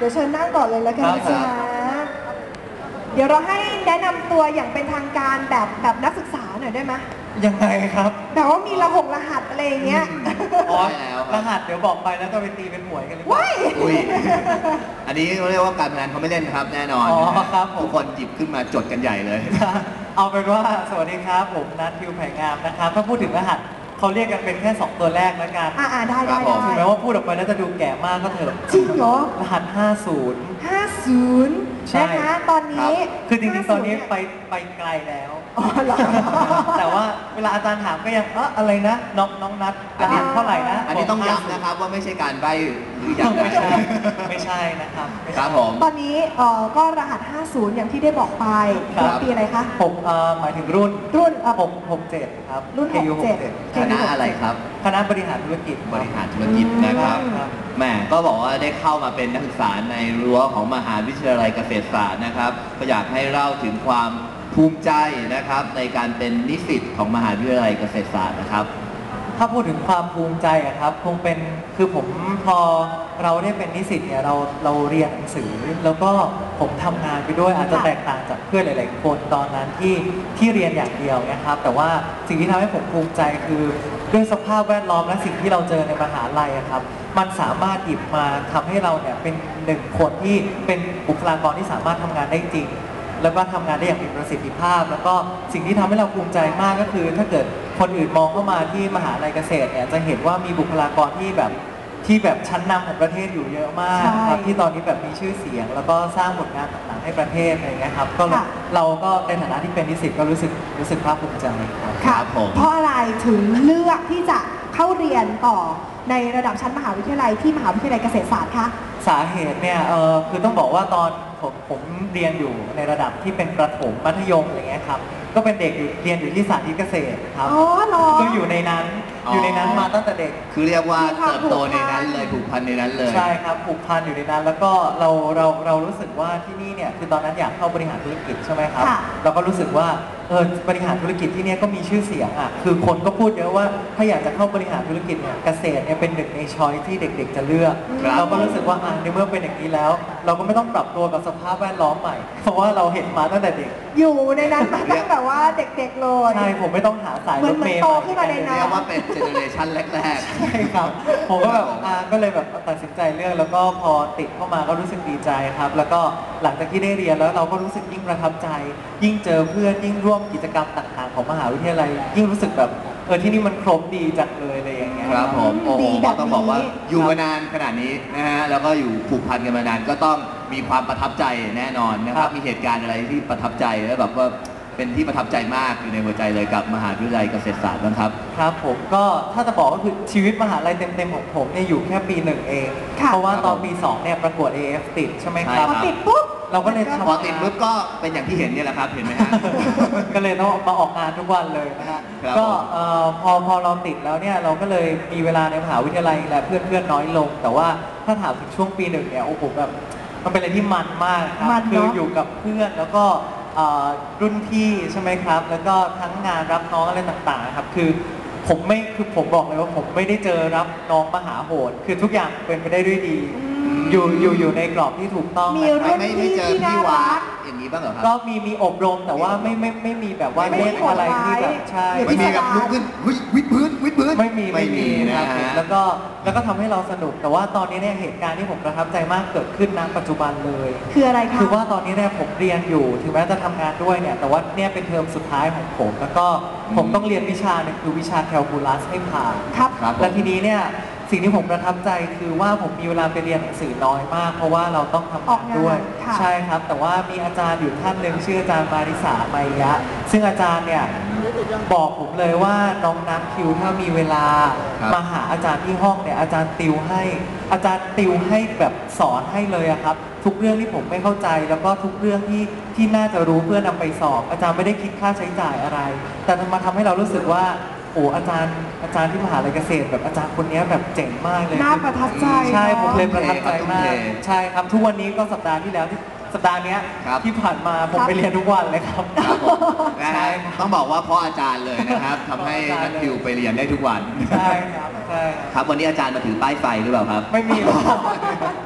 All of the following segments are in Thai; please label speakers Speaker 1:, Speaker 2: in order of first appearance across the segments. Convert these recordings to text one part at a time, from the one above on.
Speaker 1: ดี๋ยวเชิญนั่งก่อนเลยแล้วกันนะจ๊ะเดี๋ยวเราให้แนะนำตัวอย่างเป็นทางการแบบนักศึกษาหน่อยได้ไหม
Speaker 2: ยังไงครับ
Speaker 1: แบบว่ามีรหัสอะไรอย่างเงี้ย
Speaker 2: อ๋อรหัสเดี๋ยวบอกไปแล้วก็ไปตีเป็นหวยกันเลย
Speaker 1: ว้าย
Speaker 3: อันนี้เขาเรียกว่าการพนันเขาไม่เล่นครับแน่นอน
Speaker 2: ครับ
Speaker 3: ทุกคนหยิบขึ้นมาจดกันใหญ่เลย
Speaker 2: เอาเป็นว่าสวัสดีครับผมนัททิวไผ่งามนะครับถ้าพูดถึงรหัสเขาเรียกกันเป็นแค่2ตัวแรกแล้วกัน
Speaker 1: ได้
Speaker 2: ถึงแม้ว่าพูดออกไปแล้วจะดูแก่มากก็เถอะ
Speaker 1: จริงเหรอ
Speaker 2: รหัส50
Speaker 1: นะคะตอนนี้
Speaker 2: คือจริงๆตอนนี้ไปไกลแล้วแต่ว่าเวลาอาจารย์ถามก็ยังอะไรนะน้องนัทรหัสเท่าไหร่นะ
Speaker 3: อันนี้ต้องย้ำนะครับว่าไม่ใช่การใบ้หรืออย่างไร
Speaker 2: ไม่ใช่นะครับ
Speaker 3: ครับผม
Speaker 1: ตอนนี้ก็รหัส50อย่างที่ได้บอกไปปีอะไรคะ
Speaker 2: ผมหมายถึงรุ่น67ครับ
Speaker 1: รุ่น67
Speaker 3: คณะอะไรครับ
Speaker 2: คณะบริหารธุรกิจ
Speaker 3: นะครับแม่ก็บอกว่าได้เข้ามาเป็นนักศึกษาในรั้วของมหาวิทยาลัยเกษตรศาสตร์นะครับก็อยากให้เล่าถึงความภูมิใจนะครับในการเป็นนิสิตของมหาวิทยาลัยเกษตรศาสตร์นะครับ
Speaker 2: ถ้าพูดถึงความภูมิใจอะครับคงเป็นคือผมพอเราได้เป็นนิสิตเนี่ยเราเรียนหนังสือแล้วก็ผมทำงานไปด้วยอาจจะแตกต่างจากเพื่อนหลายๆคนตอนนั้นที่เรียนอย่างเดียวนะครับแต่ว่าสิ่งที่ทำให้ผมภูมิใจคือด้วยสภาพแวดล้อมและสิ่งที่เราเจอในมหาลัยครับมันสามารถหยิบมาทำให้เราเนี่ยเป็นหนึ่งคนที่เป็นบุคลากรที่สามารถทำงานได้จริงแล้วก็ทำงานได้อย่างมีประสิทธิภาพแล้วก็สิ่งที่ทำให้เราภูมิใจมากก็คือถ้าเกิดคนอื่นมองเข้ามาที่มหาลัยเกษตรเนี่ยจะเห็นว่ามีบุคลากรที่แบบชั้นนำของประเทศอยู่เยอะมากครับที่ตอนนี้แบบมีชื่อเสียงแล้วก็สร้างผลงานต่างๆให้ประเทศอะไรเงี้ยครับก็เราก็ในฐานะที่เป็นนิสิตก็รู้สึกภาคภูมิใจ
Speaker 1: ครับเพราะอะไรถึงเลือกที่จะเข้าเรียนต่อในระดับชั้นมหาวิทยาลัยที่มหาวิทยาลัยเกษตรศาสตร์คะ
Speaker 2: สาเหตุเนี่ยคือต้องบอกว่าตอนผมเรียนอยู่ในระดับที่เป็นประถมมัธยมอะไรเงี้ยครับก็เป็นเด็กเรียนอยู่ที่สาธิตเกษตรครับก็อยู่ในนั้นมาตั้งแต่เด็ก
Speaker 3: คือเรียกว่าเติบโตในนั้นเลยผูกพันในนั้นเลย
Speaker 2: ใช่ครับผูกพันอยู่ในนั้นแล้วก็เรารู้สึกว่าที่นี่เนี่ยคือตอนนั้นอยากเข้าบริหารธุรกิจใช่ไหมครับเราก็รู้สึกว่าบริหารธุรกิจที่นี่ก็มีชื่อเสียงอ่ะคือคนก็พูดเยอะว่าถ้าอยากจะเข้าบริหารธุรกิจเนี่ยเกษตรเนี่ยเป็นหนึ่งในช้อยที่เด็กๆจะเลือกเราก็รู้สึกว่าในเมื่อเป็นอย่างนี้แล้วเราก็ไม่ต้องปรับตัวกับสภาพแวดล้อมใหม่เพราะว่าเราเห็นมาตั้งแต่เด็ก
Speaker 1: อยู่ในนั้นมาตั้งแต่ว่าเด็กๆเลย
Speaker 2: ใช่ผมไม่ต้องหาสายรถเมล์
Speaker 1: โตขึ้นมาในนั้น
Speaker 3: เรียกว่าเป็นเจเนอเรชันแรก
Speaker 2: ๆใช่ครับผมก็แบบก็เลยแบบตัดสินใจเลือกแล้วก็พอติดเข้ามาก็รู้สึกดีใจครับแล้วก็หลังจากที่ได้เรียนแล้วเราก็รู้สึกยิ่งประทับใจยิ่งเจอเพื่อนยิ่งร่วมกิจกรรมต่างๆของมหาวิทยาลัยยิ่งรู้สึกแบบที่นี่มันครบดีจังเลยอะไรอย่างเงี้ย
Speaker 3: ครับผมโอ้โหต้องบอกว่าอยู่มานานขนาดนี้นะฮะแล้วก็อยู่ผูกพันกันมานานก็ต้องมีความประทับใจแน่นอนนะครับมีเหตุการณ์อะไรที่ประทับใจแล้วแบบว่าเป็นที่ประทับใจมากอยู่ในหัวใจเลยกับมหาวิทยาลัยเกษตรศาสตร์นะครับ
Speaker 2: ครับผมก็ถ้าจะบอกก็คือชีวิตมหาลัยเต็มๆของผมเนี่ยอยู่แค่ปี1เองเพราะว่าตอนปี2เนี่ยประกวด AF ติดใช่ไหมครับ
Speaker 1: ติดปุ๊บ
Speaker 2: เราก็เลย
Speaker 3: พอติดปุ๊บก็เป็นอย่างที่เห็นเนี่ยแหละครับเห็นไหมฮะ
Speaker 2: ก็เลยต้องมาออกงานทุกวันเลยนะฮะก็พอเราติดแล้วเนี่ยเราก็เลยมีเวลาในมหาวิทยาลัยและเพื่อนน้อยลงแต่ว่าถ้าถามถึงช่วงปี1เนี่ยโอ้โหแบบมันเป็นอะไรที่มันมากครับคืออยู่กับเพื่อนแล้วก็รุ่นพี่ใช่ไหมครับแล้วก็ทั้งงานรับน้องอะไรต่างๆครับคือผมบอกเลยว่าผมไม่ได้เจอรับน้องมหาโหดคือทุกอย่างเป็นไปได้ด้วยดีอยู่ในกรอบที่ถูกต้อง
Speaker 3: ไม่เจอพี่วาอย่างนี้บ้างเหรอครับ
Speaker 2: ก็มีอบรมแต่ว่าไม่มีแบบว่าเล่นอะไรที่แบบใช่
Speaker 3: ไม่มีแบบลุกขึ้นวิดพื้น
Speaker 2: ไม่มีนะครับแล้วก็ทำให้เราสนุกแต่ว่าตอนนี้เนี่ยเหตุการณ์ที่ผมประทับใจมากเกิดขึ้นณปัจจุบันเลย
Speaker 1: คืออะไรคะ
Speaker 2: คือว่าตอนนี้เนี่ยผมเรียนอยู่ถึงแม้จะทำงานด้วยเนี่ยแต่ว่าเนี่ยเป็นเทอมสุดท้ายของผมแล้วก็ผมต้องเรียนวิชาหนึ่งคือวิชาแคลคูลัสให้ผ่าน
Speaker 1: ครับ
Speaker 2: และทีนี้เนี่ยสิ่งที่ผมประทับใจคือว่าผมมีเวลาไปเรียนหนังสือน้อยมากเพราะว่าเราต้องทำงานด้วยใช่ครับแต่ว่ามีอาจารย์อยู่ท่านหนึ่งชื่ออาจารย์มาริสาไมยะซึ่งอาจารย์เนี่ยบอกผมเลยว่าน้องนัทคิวถ้ามีเวลามาหาอาจารย์ที่ห้องเนี่ยอาจารย์ติวให้แบบสอนให้เลยครับทุกเรื่องที่ผมไม่เข้าใจแล้วก็ทุกเรื่องที่น่าจะรู้เพื่อนำไปสอบอาจารย์ไม่ได้คิดค่าใช้จ่ายอะไรแต่มันทำให้เรารู้สึกว่าโอ้อาจารย์ที่มหาลัยเกษตรแบบอาจารย์คนนี้แบบเจ๋งมากเลย
Speaker 1: น่าประทับใจ
Speaker 2: ใช่ผมเลยประทับใจมากใช่ครับทุกวันนี้ก็สัปดาห์ที่แล้วสัปดาห์นี้ที่ผ่านมาผมไปเรียนทุกวันเลยครับ
Speaker 3: ใช่ต้องบอกว่าเพราะอาจารย์เลยนะครับทำให้นัทคิวไปเรียนได้ทุกวัน
Speaker 2: ใช่ครับใช่
Speaker 3: ครับวันนี้อาจารย์มาถือป้ายไฟหรือเปล่าครับ
Speaker 2: ไม่มีหรอก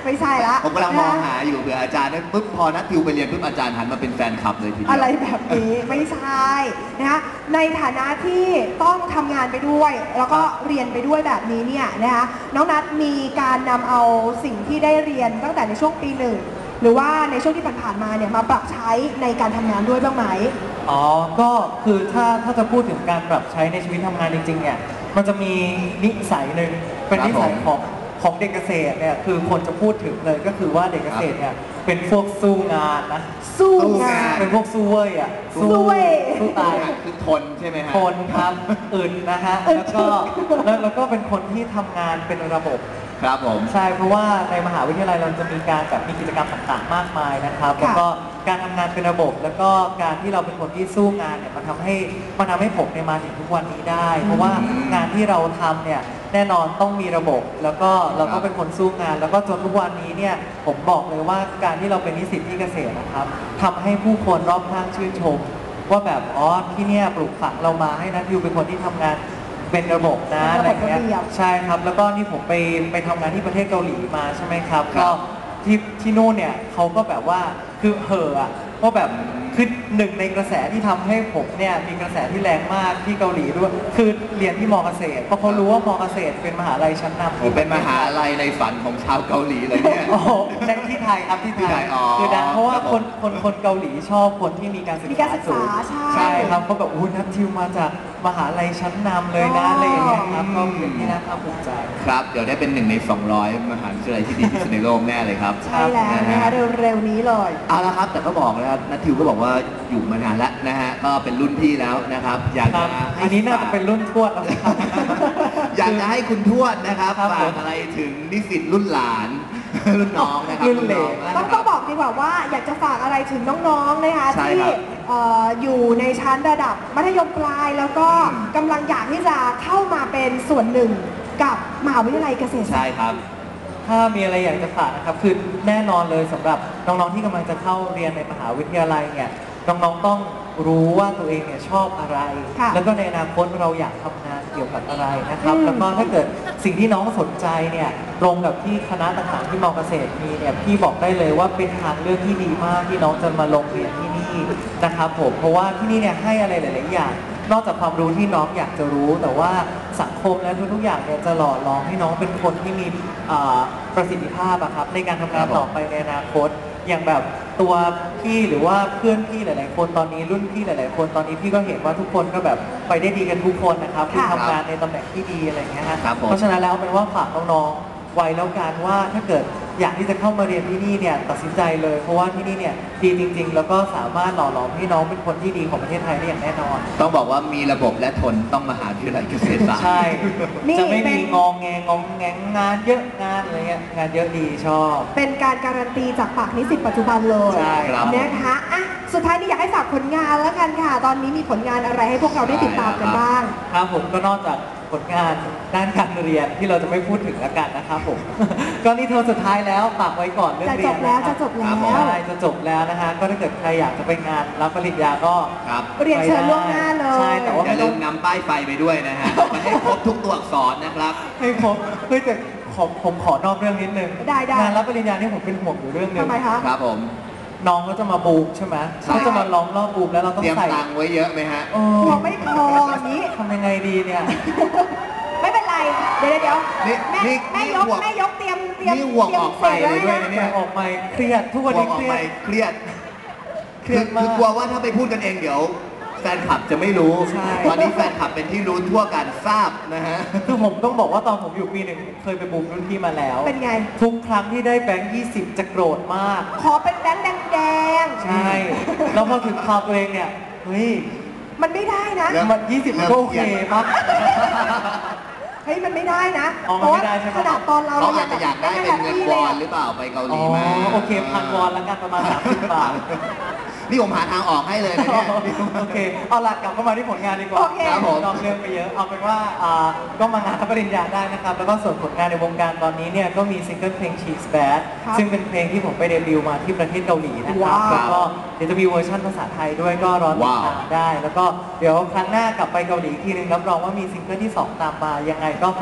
Speaker 1: ไม่ใช่ละ
Speaker 3: ผมกำลังมองหาอยู่เผื่ออาจารย์นั้นปุ๊บพอนัททิวไปเรียนปุ๊บอาจารย์หันมาเป็นแฟนคลับเลยทีเดียว
Speaker 1: อะไรแบบนี้ไม่ใช่นะคะในฐานะที่ต้องทำงานไปด้วย แล้วก็เรียนไปด้วยแบบนี้เนี่ยนะคะน้องนัทมีการนำเอาสิ่งที่ได้เรียนตั้งแต่ในช่วงปี 1หรือว่าในช่วงที่ผ่านๆมาเนี่ยมาปรับใช้ในการทำงานด้วยบ้างไหม
Speaker 2: อ๋อ ก็คือถ้าจะพูดถึงการปรับใช้ในชีวิตทำงานจริงๆ เนี่ย มันจะมีนิสัยหนึ่งเป็นนิสัยของเด็กเกษตรเนี่ย คือคนจะพูดถึงเลยก็คือว่าเด็กเกษตรเนี่ยเป็นพวกสู้งานนะ
Speaker 1: สู้งาน
Speaker 2: เป็นพวกสู้เว้ยอ่ะ
Speaker 1: สู้เว้ย
Speaker 2: สู้ตาย
Speaker 3: คือทนใช่ไหมฮะ
Speaker 2: คนครับอึดนะฮะ แล้วก็เป็นคนที่ทำงานเป็นระบบ
Speaker 3: ครับผม
Speaker 2: ใช่ เพราะว่าในมหาวิทยาลัยเราจะมีการแบบมีกิจกรรมต่างๆ มากมายนะครับ
Speaker 1: ค่ะ
Speaker 2: แล้วก็การทำงานเป็นระบบ แล้วก็การที่เราเป็นคนที่สู้งานเนี่ยมันทำให้ผมเนี่ยมาถึงทุกวันนี้ได้ เพราะว่างานที่เราทำเนี่ยแน่นอนต้องมีระบบ แล้วก็เราก็เป็นคนสู้งาน แล้วก็จนทุกวันนี้เนี่ยผมบอกเลยว่าการที่เราเป็นนิสิตที่เกษตรนะครับทำให้ผู้คนรอบข้างชื่นชม ว่าแบบอ๋อที่เนี่ยปลูกฝังเรามาให้นัทยูเป็นคนที่ทำงานเป็นระบบนะ
Speaker 1: เป็น
Speaker 2: อะไร
Speaker 1: ระบบ
Speaker 2: เงี้ย
Speaker 1: ระเบียบ
Speaker 2: ใช่ครับ แล้วก็นี่ผมไปทำงานที่ประเทศเกาหลีมาใช่ไหมครับ
Speaker 3: ครั
Speaker 2: ก็
Speaker 3: บ
Speaker 2: ที่นู่นเนี่ยเขาก็แบบว่าคือเห่ออะว่าแบบคือหนึ่งในกระแสที่ทำให้ผมเนี่ยมีกระแสที่แรงมากที่เกาหลีด้วยคือเรียนที่มอเกษตรเพราะเขารู้ว่ามอเกษตรเป็นมหาลัยชั้นนำ
Speaker 3: ผมเป็นมหาลัยในฝันของชาวเกาหลีเลยเนี่ย
Speaker 2: โอ้โหในที่ไทยครับที่
Speaker 3: ที่ไท
Speaker 2: ไท
Speaker 3: ย
Speaker 2: ย
Speaker 3: อ๋อ
Speaker 2: คือดังเพราะว่า
Speaker 3: ครับ
Speaker 2: ค
Speaker 3: ผ
Speaker 2: น
Speaker 3: ม
Speaker 2: คนเกาหลีชอบคนที่มีการศึก
Speaker 1: มีการ
Speaker 2: ษา
Speaker 1: ศึก
Speaker 2: สู
Speaker 1: ษาง ใช่
Speaker 2: ใช่ครับเขาแบบอู้นัททิวมาจากมหาลัยชั้นนำเลยนะอะไรอย่างเงี้ยครับก็เป็นที่น่าภาคภูมิใจ
Speaker 3: ครับ เดี๋ยวได้เป็น1 ใน 200 มหาวิทยาลัยที่ดีที่สุดในโลกแน่เลยครับ
Speaker 1: ใช่แล้วนะคะเร็วๆนี้เลย
Speaker 3: เอาละครับแต่ก็บอกนะครับนัททิวก็บอกว่าอยู่มานานแล้วนะฮะก็เป็นรุ่นพี่แล้วนะครับ อยาก
Speaker 2: ครั
Speaker 3: จะ
Speaker 2: บ
Speaker 3: ให้
Speaker 2: อันนี้น่าจะเป็นรุ่นทวดแล้วครับ
Speaker 3: อยากจะให้คุณทวดนะครับ
Speaker 2: ครับ
Speaker 3: ฝากอะไรถึงนิสิตรุ่นหลาน รุ่นน้องนะครับ
Speaker 2: รุ่นเหลน
Speaker 3: น้
Speaker 1: ต้องบอกดีกว่าว่าอยากจะฝากอะไรถึงน้องๆนะคะ
Speaker 3: ใช่
Speaker 1: ที่
Speaker 3: ครับ
Speaker 1: อยู่ในชั้นระดับมัธยมปลาย แล้วก็
Speaker 3: อืม
Speaker 1: กำลังอยากที่จะเข้ามาเป็นส่วนหนึ่งกับมหาวิทยาลัยเกษตรศา
Speaker 3: ใช่
Speaker 1: สตร์
Speaker 3: ครับ
Speaker 2: ถ้ามีอะไรอยากจะฝากนะครับคือแน่นอนเลยสำหรับน้องๆที่กำลังจะเข้าเรียนในมหาวิทยาลัยเนี่ยน้องๆต้องรู้ว่าตัวเองเนี่ยชอบอะไร
Speaker 1: ค่ะ
Speaker 2: แล้วก็ในอนาคตเราอยากทำงานเกี่ยวกับอะไรนะครับ
Speaker 1: อืม
Speaker 2: แล้วก็ถ้าเกิดสิ่งที่น้องสนใจเนี่ยตรงกับที่คณะต่างๆที่มอเกษตรมีเนี่ยพี่บอกได้เลยว่าเป็นทางเลือกที่ดีมากที่น้องจะมาลงเรียนที่นี่นะครับผมเพราะว่าที่นี่เนี่ยให้อะไรหลายๆอย่าง นอกจากความรู้ที่น้องอยากจะรู้ แต่ว่าสังคมและทุกๆอย่างเนี่ยจะหล่อหลอมให้น้องเป็นคนที่มีประสิทธิภาพอะครับในการทำงานต่อไปในอนาคต อย่างแบบตัวพี่หรือว่าเพื่อนพี่หลาย ๆ คนตอนนี้รุ่นพี่หลาย ๆ คนตอนนี้พี่ก็เห็นว่าทุกคนก็แบบไปได้ดีกันทุกคนนะครับคือ
Speaker 1: ค่ะ
Speaker 2: ทำงานในตำแหน่งที่ดีอะไรอย่างเงี้ยฮะ
Speaker 3: ครับผม
Speaker 2: เพราะฉะนั้นแล้วเอาเป็นว่าฝากน้องๆไว้แล้วกันว่าถ้าเกิดอยากที่จะเข้ามาเรียนที่นี่เนี่ยตัดสินใจเลย เพราะว่าที่นี่เนี่ยดีจริง ๆ แล้วก็สามารถหล่อหลอมให้น้องเป็นคนที่ดีของประเทศไทยได้อย่างแน่นอน
Speaker 3: ต้องบอกว่ามีระบบและทนต้องมหาวิทยาลัยเกษตรศาสตร์
Speaker 2: ใช่
Speaker 1: นี่
Speaker 2: จะไม่
Speaker 1: เป็
Speaker 2: มี
Speaker 1: น
Speaker 2: งองแงงองแงงงานเยอะงานอะไรเงี้ยงานเยอะดีชอบ
Speaker 1: เป็นการการันตีจากปากนิสิตปัจจุบันเลย
Speaker 2: ใช่ครับ
Speaker 1: นะคะอ่ะสุดท้ายนี้อยากให้ฝากผลงานแล้วกันค่ะ ตอนนี้มีผลงานอะไรให้พวกเราได้ติดตามกันบ้าง
Speaker 2: ครับผมก็นอกจากผลงานด้านการเรียนที่เราจะไม่พูดถึงแล้วกันนะครับผม ก็นี่เทอมสุดท้ายแล้วฝากไว้ก่อนเรื่องเรียน
Speaker 1: จะจบแล้ว
Speaker 2: นครั
Speaker 1: จะจบแล้ว
Speaker 2: ครับผมใช่จะจบแล้วนะฮะก็ถ้าเกิดใครอยากจะไปงานรับปริญญาก็
Speaker 3: ครับ
Speaker 1: เรียนเชิญล่วงหน้าเลย
Speaker 2: ใช่แต่ว่า
Speaker 3: อย่า
Speaker 2: ไม่
Speaker 3: ลื
Speaker 2: ต้อง
Speaker 3: มนำป้ายไฟไปด้วยนะฮะมันให้ครบทุกตัวอักษรนะครับ
Speaker 2: ให้ผมเฮ้ยแต่ผมขอนอกเรื่องนิดนึง
Speaker 1: ได้ได้
Speaker 2: งานรับปริญญานี่ผมเป็นห่วงอยู่เรื่องหนึง
Speaker 1: ทำไมคะ
Speaker 3: ครับผม
Speaker 2: น้องก็จะมาบูมใช่ไหม
Speaker 3: ใช่
Speaker 2: เขาจะมาล้อมรอบบูมแล้วเราต้อ
Speaker 3: เต
Speaker 2: ง
Speaker 3: รียม
Speaker 2: ใส่
Speaker 3: ตังค์ไว้เยอะไหมฮะ
Speaker 2: โอ้
Speaker 1: หัวไม่พออย่างนี้
Speaker 2: ทำยังไงดีเนี่ย
Speaker 1: ไม่เป็นไร เดี๋ยว
Speaker 3: นี่
Speaker 1: แม่
Speaker 3: นี่
Speaker 1: แม่
Speaker 3: นี่
Speaker 1: ยก
Speaker 3: ห่วง
Speaker 1: แม่ยกเตรียมเตรียม
Speaker 3: นี่ห่วงออกไปเลยด้วยนะ
Speaker 2: แต่ออกไปเครียดทุกวันนี้
Speaker 3: กลั
Speaker 2: เครี
Speaker 3: ออก
Speaker 2: ย
Speaker 3: ไป
Speaker 2: ด
Speaker 3: เครียด
Speaker 2: เครียดมาก
Speaker 3: คือกลัวว่าถ้าไปพูดกันเองเดี๋ยว แฟนคลับจะไม่รู้
Speaker 2: ใช่
Speaker 3: ตอนนี้แฟนคลับเป็นที่รู้ทั่วกันทราบนะฮะ
Speaker 2: คือผมต้องบอกว่าตอนผมอยู่ปีหนึ่งผมเคยไปบูมรุ่นพี่มาแล้ว
Speaker 1: เป็นไง
Speaker 2: ทุกครั้งที่ได้แบงค์20 จะโกรธมาก
Speaker 1: ขอเป็นแบงค์แดง
Speaker 2: ใช่ แล้วพอถึงคราวตัวเองเนี่ยเฮ้ย
Speaker 1: ๆมันไม่ได้นะ
Speaker 3: แล้ว
Speaker 2: มัน20มันก็โอเคมาก
Speaker 1: เฮ้ยมันไม่ได้นะ
Speaker 2: อ๋อมันไม่ได้ใช่ไหม
Speaker 1: ขนาดตอนเรา
Speaker 3: เขาอาจจะอยากได้เป็นเงินวอนหรือเปล่าไปเกาห
Speaker 2: อ๋
Speaker 3: ลี
Speaker 2: อ
Speaker 3: มา
Speaker 2: โอเคพันวอนแล้วกันประมาณ30 บาท
Speaker 3: นี่ผมหาทางออกให้เลยนะเนี่ย
Speaker 2: โอเค เอาหลักกลับเข้ามาที่ผลงานดีกว่า
Speaker 1: โอเค
Speaker 3: ครับผม
Speaker 2: นอกเรื่องไปเยอะ เอาเป็นว่าก็มางานรับปริญญาได้นะครับ แล้วก็ส่วนผลงานในวงการตอนนี้เนี่ยก็มีซิงเกิลเพลง Cheese Bad
Speaker 1: ครับ
Speaker 2: ซึ่งเป็นเพลงที่ผมไปเดบิวต์มาที่ประเทศเกาหลีนะครับ
Speaker 1: ว้าว
Speaker 2: แล้วก็เดี๋ยวจะมีเวอร์ชันภาษาไทยด้วยก็รอติดตามได้ แล้วก็เดี๋ยวครั้งหน้ากลับไปเกาหลีอีกทีนึงรับรองว่ามีซิงเกิลที่ 2 ตามมา ยังไงก็ฝาก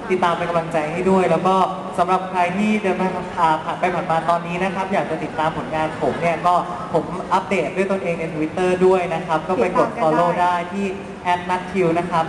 Speaker 2: ติดตามเป็นกำลังใจให้ด้วย แล้วก็สำหรับใครที่เดินผ่านไปผ่านมาตอนนี้นะครับอยากจะติดตามผลงานผมเนี่ยก็ผมอัปเดตด้วยตนเองใน Twitter ด้วยนะครับก็ไปกด follow ได้ที่ @natthew นะครับ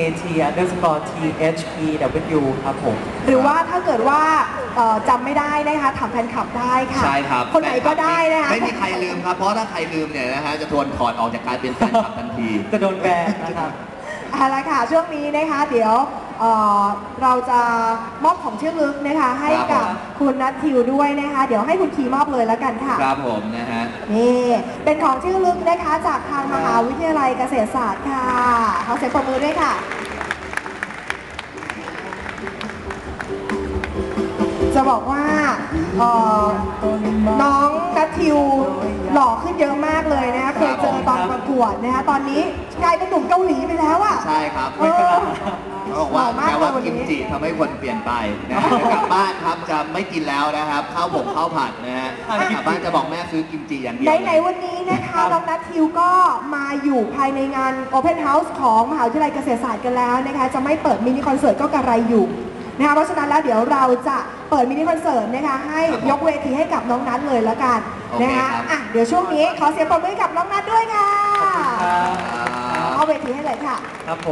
Speaker 2: NAT_THEW ครับผม
Speaker 1: หรือว่าถ้าเกิดว่าจำไม่ได้นะคะถามแฟนคลับได้ค่ะ
Speaker 3: ใช่ครับ
Speaker 1: คนไหนก็ได้นะคะ
Speaker 3: ไม่มีใครลืมครับ เพราะถ้าใครลืมเนี่ยนะฮะจะโดนถอดออกจากการเป็นแฟนคลับทันที
Speaker 2: จะโดนแบนนะครับ
Speaker 1: เอาละค่ะช่วงนี้นะคะเดี๋ยวเราจะมอบของที่ระลึกนะคะให้
Speaker 3: ครับ
Speaker 1: กับ
Speaker 3: ผม
Speaker 1: คุณนัททิวด้วยนะคะ เดี๋ยวให้คุณคีมอบเลยแล้วกันค่ะ
Speaker 3: ครับผมนะฮะ
Speaker 1: นี่เป็นของที่ระลึกนะคะจากทางมหาวิทยาลัยเกษตรศาสตร์ค่ะขอเสียงปรบมือด้วยค่ะ จะบอกว่าน้องนัททิวหล่อขึ้นเยอะมากเลยนะคะเคยเจอตอนประกวดนะคะตอนนี้กลายเป็นหนุ่มเกาหลีไปแล้วอ่ะ
Speaker 3: ใช่ครับ
Speaker 1: เออ
Speaker 3: เขาบอกว่า
Speaker 1: หล่อมาก
Speaker 3: แม้ว่า
Speaker 1: เลยวันนี้
Speaker 3: กิมจิทำให้คนเปลี่ยนไปนะฮะกลับบ้านครับจะไม่กินแล้วนะครับข้าวผงข้าวผัดนะฮะกลับบ้านจะบอกแม่ซื้อกิมจิอย่างเดียว
Speaker 1: ไหนๆวันนี้นะคะน้องนัททิวก็มาอยู่ภายในงาน Open House ของมหาวิทยาลัยเกษตรศาสตร์กันแล้วนะคะจะไม่เปิดมินิคอนเสิร์ตก็กระไรอยู่นะคะเพราะฉะนั้นแล้วเดี๋ยวเราจะเปิดมินิคอนเสิร์ตนะคะให้ยกเวทีให้กับน้องนัทเลยแล้วกันนะคะอ่ะเดี๋ยวช่วงนี้ขอเสียงปรบมือให้กับน้องนัทด้วยค่ะ
Speaker 2: ครับ
Speaker 1: เอาเวทีให้เลยค่ะ
Speaker 2: ครับผม